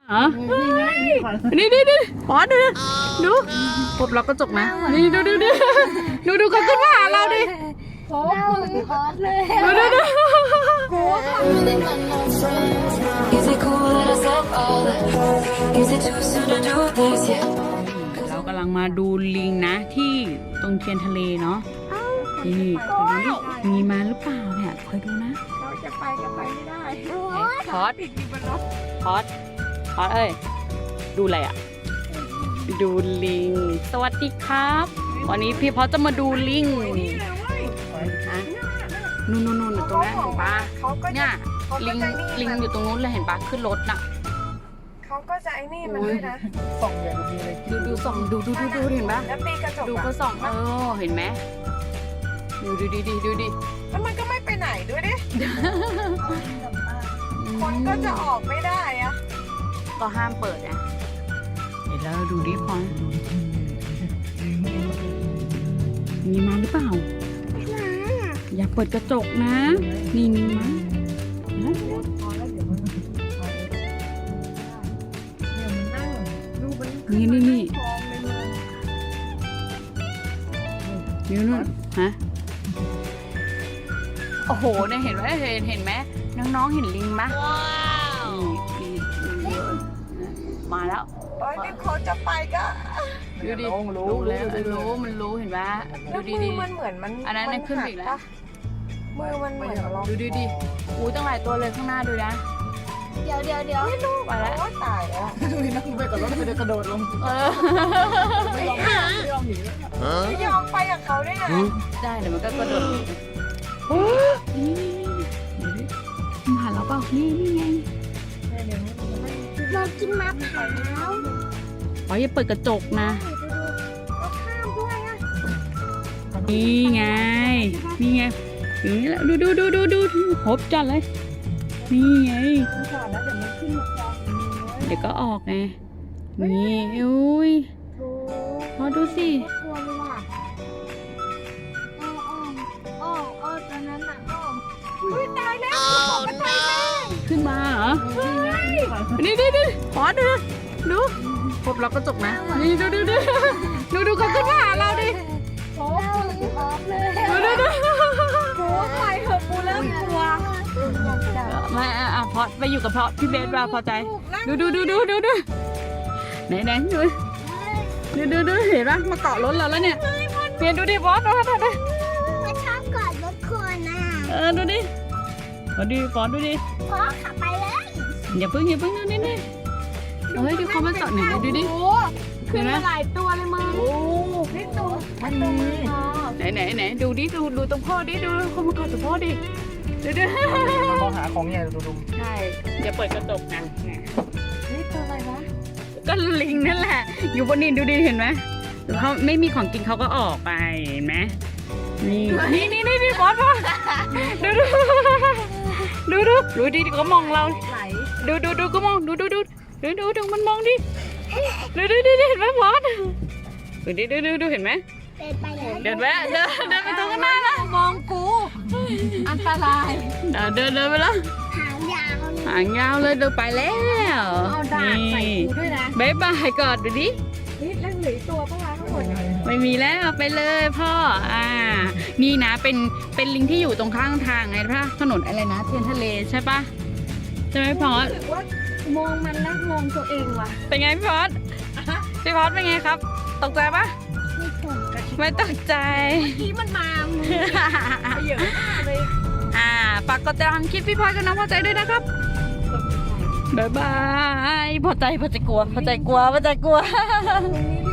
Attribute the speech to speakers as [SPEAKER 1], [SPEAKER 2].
[SPEAKER 1] อ๋อนี่ปอนดูพบเราก็จกนะนี่ดูเขาขึ้นมาหาเราดิ
[SPEAKER 2] พอดเลย
[SPEAKER 1] ดูเรากำลังมาดูลิงนะที่ตรงเทียนทะเลเนาะนี่คอยดูดิมีมาหรือเปล่าเนี่ยคอยดูนะ
[SPEAKER 2] เราจะไปก็ไปไม่ได้
[SPEAKER 1] พอดเอ้ยดูอะไรอ่ะดูลิงสวัสดีครับวันนี้พี่พอจะมาดูลิงนู่นอยู่ตรงนั้นเห็นปะเนี่ยลิงอยู่ตรงนู้นเลยเห็นปะขึ้นรถน่ะ
[SPEAKER 2] เขาก็จะไอ้นี่มันด้วยนะ
[SPEAKER 1] ส่องอย่างดีเลยดูส่องดูเห็นปะ
[SPEAKER 2] แล้วตีกระจก
[SPEAKER 1] ดูเขาส่องเห็นไหมดูดิ
[SPEAKER 2] แล้วมันก็ไม่ไปไหนด้วยดิคนก็จะออกไม่ได้อะ
[SPEAKER 1] ก็ห้ามเปิดนะเดี๋ยวเราดูดิพอมีมาหรือเปล่าอย่าเปิดกระจกนะนี่มีมานี่นู่นฮะโอ้โหเนี่ยเห็นไหมน้องๆเห็นลิงไหมนี่มาแล้ว
[SPEAKER 2] นี่เขาจะไปก็
[SPEAKER 1] ดูดิรู้แล้วมันรู้เห็นไหมดูดิ
[SPEAKER 2] มันเหมือนมัน
[SPEAKER 1] อันนั้นขึ้นอีกแล้ว
[SPEAKER 2] มือมันเหมือนเรา
[SPEAKER 1] ดูดิอู้ตั้งหลายตัวเลยข้างหน้าดูนะ
[SPEAKER 2] เดี๋ยว
[SPEAKER 1] ไม่รู้ไปแล้ว
[SPEAKER 2] ตายแล้ว
[SPEAKER 3] ดูนั่งไปกับรถไปกระโดดลงไม่ยอมหนี
[SPEAKER 2] ไม่ยอมไปกับเขาได้ไง
[SPEAKER 1] ได้เดี๋ยวมันก็กระโดดนี่มาหาเราเปล่านี่ไง
[SPEAKER 2] เรากินมะพร้าว
[SPEAKER 1] อย่าเปิดกระจกนะ
[SPEAKER 2] ก็ข้ามด้วยอ่ะ
[SPEAKER 1] นี่ไงอย่างนี้แหละดูพบจัดเลยนี่ไงเดี๋ยวก็ออกไงนี่อุ้ยพอดูสิ
[SPEAKER 2] ตอนนั้นอ่ะอุ้ยตายแล้ว
[SPEAKER 1] ขึ้นมาเหรอนี่พอดูพบเราก็จกนะนี่ดูเขาขึ้นมาหาเราดิ
[SPEAKER 2] พร้อมเลยดูไปเถอะปูเริ่มกลัว
[SPEAKER 1] ไม่พอไปอยู่กับพี่เบสว่าพอใจดูไหนดูเห็นปะมาเกาะรถเราแล้วเนี่ยเปลี่ยนดูดิบอสดู
[SPEAKER 2] ชอบเกาะรถคนน่ะ
[SPEAKER 1] ดูดิบอสดูดิ
[SPEAKER 2] พอขับไปเลย
[SPEAKER 1] อย่าเพิ่งดูนี่เฮ้ยดูเขามาเกาะหนึ่งดูดิ
[SPEAKER 2] ขึ้นมาหลายตัวเลยมึงนี่ตัว
[SPEAKER 1] ไหนดูดิดูตรงพ่อดิดูเขามาเกาะตรงพ่อดิดู
[SPEAKER 3] เขาหาของใหญ่ดู
[SPEAKER 1] ใช่อย่าเปิดกระจกนะ
[SPEAKER 2] นี่ตัวอะไรวะ
[SPEAKER 1] ก็ลิงนั่นแหละอยู่บนนี้ดูดิเห็นไหมเขาไม่มีของกินเขาก็ออกไปเห็นไหมนี่บอสดูดิก็มองเราดูก็มองดูมันมองดิดูเห็นไหมบอสดูเห็นไหมเดินไปตรงหน้านะ
[SPEAKER 2] มองกูอันตราย
[SPEAKER 1] เดินไปแล้วหางยาวเลยเดินไปแล้ว
[SPEAKER 2] เอาดาบใส่กูด้วยนะ
[SPEAKER 1] บ๊ายบายก่อนดูดิ
[SPEAKER 2] นี่แล้วเหลือตัวปะวะทั้งหมด
[SPEAKER 1] ไม่มีแล้วไปเลยพ่อนี่นะเป็นลิงที่อยู่ตรงข้างทางไงพ่อถนนอะไรนะเทียนทะเลใช่ปะใช่ไหมพอส
[SPEAKER 2] มองมันแล้วมองตัวเองว่ะ
[SPEAKER 1] เป็นไงพี่พอสเป็นไงครับตกใจปะไม่ตกใจ
[SPEAKER 2] ที่มันมาเยอะเลย
[SPEAKER 1] ฝากกดติดตามคลิปพี่พอสกับน้องพอใจด้วยนะครับบ๊ายบายพอใจกลัว